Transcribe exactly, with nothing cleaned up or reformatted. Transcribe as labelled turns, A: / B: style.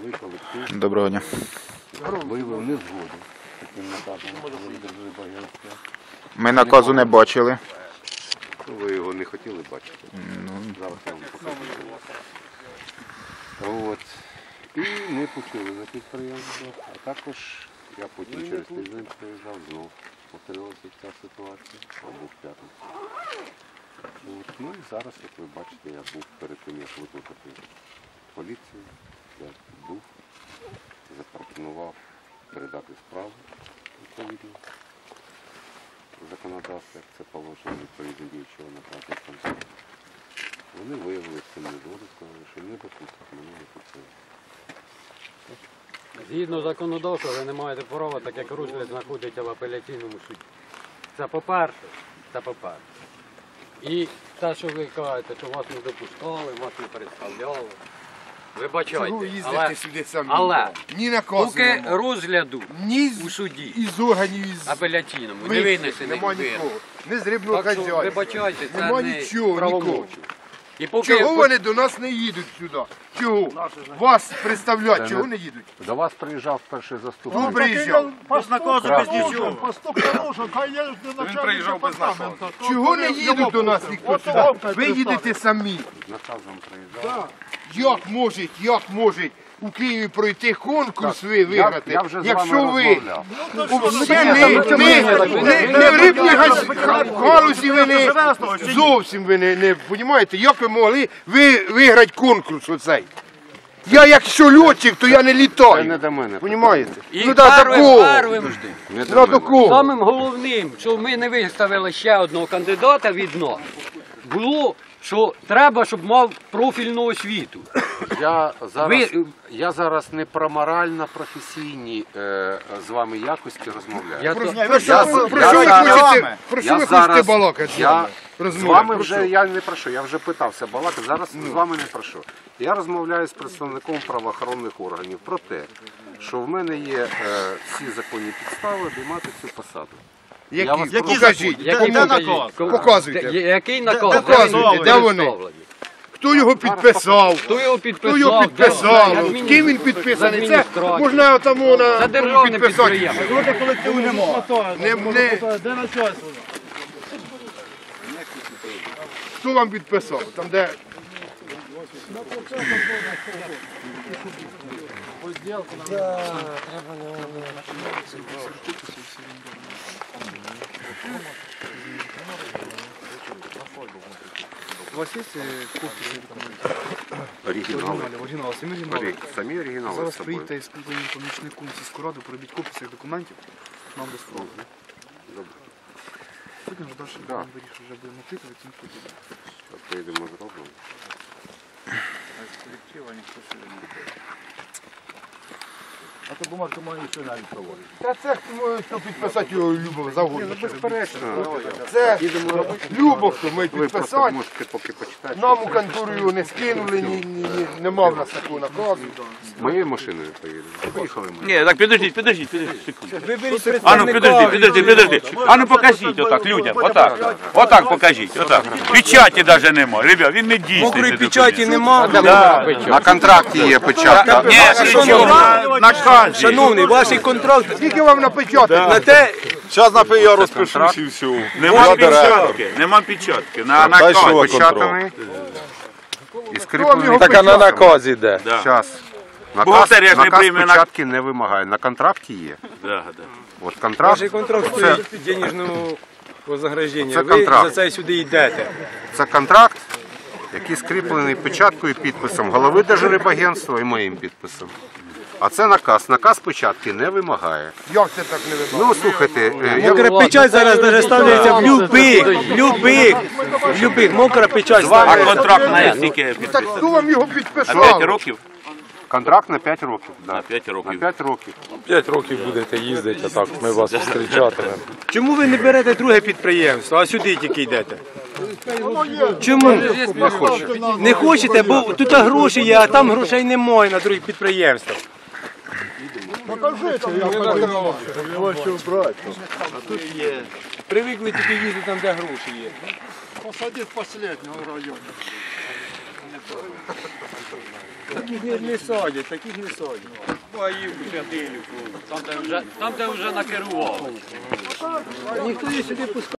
A: трудовий колектив.
B: Доброго дня.
A: Виявив незгоду з таким наказом.
B: Ми наказу не бачили.
A: Ви його не хотіли бачити.
B: Ну,
A: Зараз я вам покажу. От. І ми почули на підприємство, а також я потім через тиждень приїжджав знов. Повторилася ця ситуація, або в п'ятницю. От. Ну і зараз, як ви бачите, я був перед тим, як викликати поліцію, я був, запропонував передати справу відповідно законодавства, як це положено відповідно діючого наказу концерту. Вони виявили цим незгоду, сказали, що не допустять мене не підсилити.
C: Згідно законодавства, ви не маєте права, так як розгляд знаходиться в апеляційному суді. Це по-перше, це по-перше. І те, що ви кажете, що вас не допускали, вас не представляли. Вибачайте,
D: Чого їздите
C: але,
D: сюди самі?
C: але
D: Ні наказу
C: поки
D: нема.
C: розгляду
D: Ні
C: у суді
D: із органів, із
C: апеляційному не
D: вихід,
C: винесений
D: нема
C: вирок.
D: нікого. Не з рибного
C: Так що,
D: хазяйства.
C: вибачайте, це
D: Нема
C: не
D: нічого,
C: правомочі.
D: нікого.
C: І поки
D: Чого вони до нас не їдуть сюди? Чого? Вас представляють, чого не їдуть?
A: До вас приїжджав перший заступник.
D: Ну, приїжджав.
E: Без наказу, без нічого. Поступ нарушен, хай є начальник департаменту.
D: Чого не їдуть до нас ніхто сюди? Ви їдете самі.
A: З наказом приїжджав.
D: Як може, як може у Києві пройти конкурс ви виграти,
A: Я вже з
D: якщо
A: вами
D: ви
A: розмовляв.
D: Це не, не, не, не в рибній газ- галузі ви не, зовсім ви не, не розумієте, як ви могли ви виграти конкурс оцей? Я якщо льотчик, то я не
A: Це не
D: літаю,
A: до мене.
D: розумієте?
C: І
D: Ну да,
C: первим,
D: такого,
C: первим,
A: Не до
D: ну
A: мене.
D: такого.
C: самим головним, що ми не виставили ще одного кандидата від нас, було, що треба, щоб мав профільну освіту.
A: Я зараз,
C: Ви-
A: я зараз не про морально-професійні е, з вами якості розмовляю.
C: Я
D: Про,
C: то-
D: про що,
A: я-
D: ви- про
A: я
D: що ви
A: зараз-
D: хочете, про що
A: я
D: ви хочете
A: зараз-
D: балакати з
A: я
D: вами?
A: З
D: Розмовляти,
A: вами
D: про
A: вже
D: що?
A: я не прошу, я вже питався балакати, зараз з вами не прошу. Я розмовляю з представником правоохоронних органів про те, що в мене є е, всі законні підстави обіймати цю посаду.
D: Які?
A: Я вас
D: Покажіть.
C: Який
E: Де
C: покажіть?
E: наказ?
C: Кому-
D: Показуйте.
C: Де- Який наказ?
E: де
D: Показуйте,
C: він
D: де вони?
C: представлений?
D: Хто його підписав?
C: Хто його підписав?
D: Хто його
C: Де-
D: підписав?
C: адміністр-
D: Ким він підписаний? Це
C: адміністрація.
D: можна тому на
C: Це державне
D: підписати.
C: підприємство.
E: Проти колективу нема.
D: Не, не,
E: Де начальство?
D: хто вам підписав? Там де
F: У вас є копії документів?
A: Оригінали.
F: Оригінал, самі оригінали.
A: Ори- Самі оригінали
F: Зараз
A: з собою.
F: приїдьте із спілкуванням помічником сільської ради, пробіть копії цих документів, нам до справи.
A: Добре.
F: Потім вже далі
A: Да.
F: будемо вирішувати, вже будемо опитувати, цим суді.
A: Поїдемо зробимо.
E: А то бумажка має ще навіть проводить.
D: Та це хто, хто підписати його любов завгодно.
A: Безперечно.
D: Це любов, хто ми
A: Ви просто
D: підписати.
A: можете поки почитати.
D: Нам у контору його не скинули, ні, ні, ні, нема в нас такого наказу.
A: Моєю машиною поїдемо. Поїхали ми.
G: Ні, так підождіть, підождіть, підождіть, секунду. А ну підожди, підожди, підожди. А ну покажіть отак людям, отак. Отак покажіть, отак. Печаті навіть нема, ребят, він не дійсний.
H: Мокрої
G: цей
H: печаті
G: документ.
H: нема.
A: На контракті є початка.
G: Ні, нічого, на наказі.
H: Шановний, ваш контракт
D: Скільки вам напечатати?
H: на те,
G: Зараз на я розпишусь і все. Нема печатки, нема печатки. На наказ
A: Початаний. І
D: Хто вам його
A: скріплений.
H: так а на
D: печатав?
H: наказі де.
G: Да.
A: Час. Наказ,
G: Бухгалтерія ж не
A: наказ
G: прийме на-
A: початки не вимагає. На контракті є.
G: Да, да.
A: От контракт,
H: Ваш контракт стоїть денежного вознаграждення.
A: Це
H: Ви
A: контракт.
H: за це сюди йдете.
A: це контракт, який скріплений печаткою і підписом голови Держрибагентства і моїм підписом. А це наказ. Наказ початки не вимагає.
D: Як це так не вибрав?
A: Ну, слухайте, е, я
H: Мокра печать зараз навіть ставляється в любих, в любих, в любих. Мокра печать
G: А
H: ставляється.
G: контракт на скільки
D: Ну так хто вам його
G: На
D: підписав?
G: п'ять років?
A: контракт на п'ять років. Да.
G: На п'ять
A: На
G: років.
A: п'ять років.
H: П'ять років будете їздити, а так ми вас зустрічатимемо. Чому ви не берете друге підприємство, а сюди тільки йдете? Чому?
A: Не хоче.
H: Не хочете, бо тут гроші є, а там грошей немає на других підприємствах.
E: Покажите, як подавав.
H: Привикли тільки їздити там, де гроші є.
E: Посадить последнього в районі.
H: Таких не, не садять, таких не садять.
C: Там, де вже, там, де вже накерували.
H: Ніхто її сюди пускає.